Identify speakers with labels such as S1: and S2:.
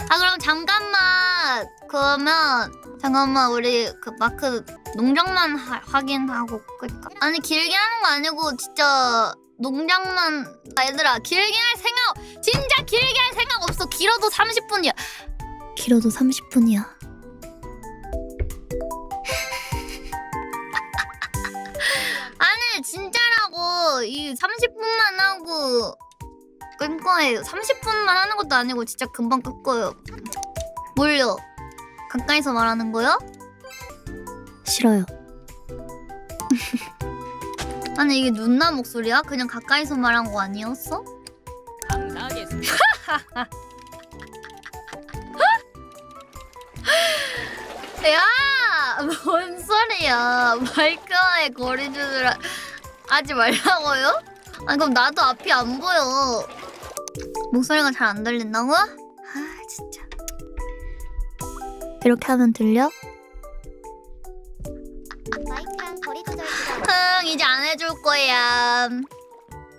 S1: 아 그럼 잠깐만. 그러면 잠깐만 우리 그 마크 농장만 확인하고 끌까? 아니 길게 하는 거 아니고 진짜 농장만. 얘들아 길게 할 생각 진짜 길게 할 생각 없어. 길어도 30분이야. 길어도 30분이야. 아니 진짜라고. 이 30분만 하고 끌 거예요. 30분만 하는 것도 아니고 진짜 금방 끌 거예요. 뭘요? 가까이서 말하는 거요? 싫어요. 아니 이게 누나 목소리야? 그냥 가까이서 말한 거 아니었어?
S2: 감사하겠습니다.
S1: 야! 뭔 소리야. 마이크와의 거리두기를 하지 말라고요? 아니 그럼 나도 앞이 안 보여. 목소리가 잘 안 들린다고? 아 진짜. 이렇게 하면 들려?
S3: 마이크랑 거리 조절 기가
S1: 이제 안 해줄 거야.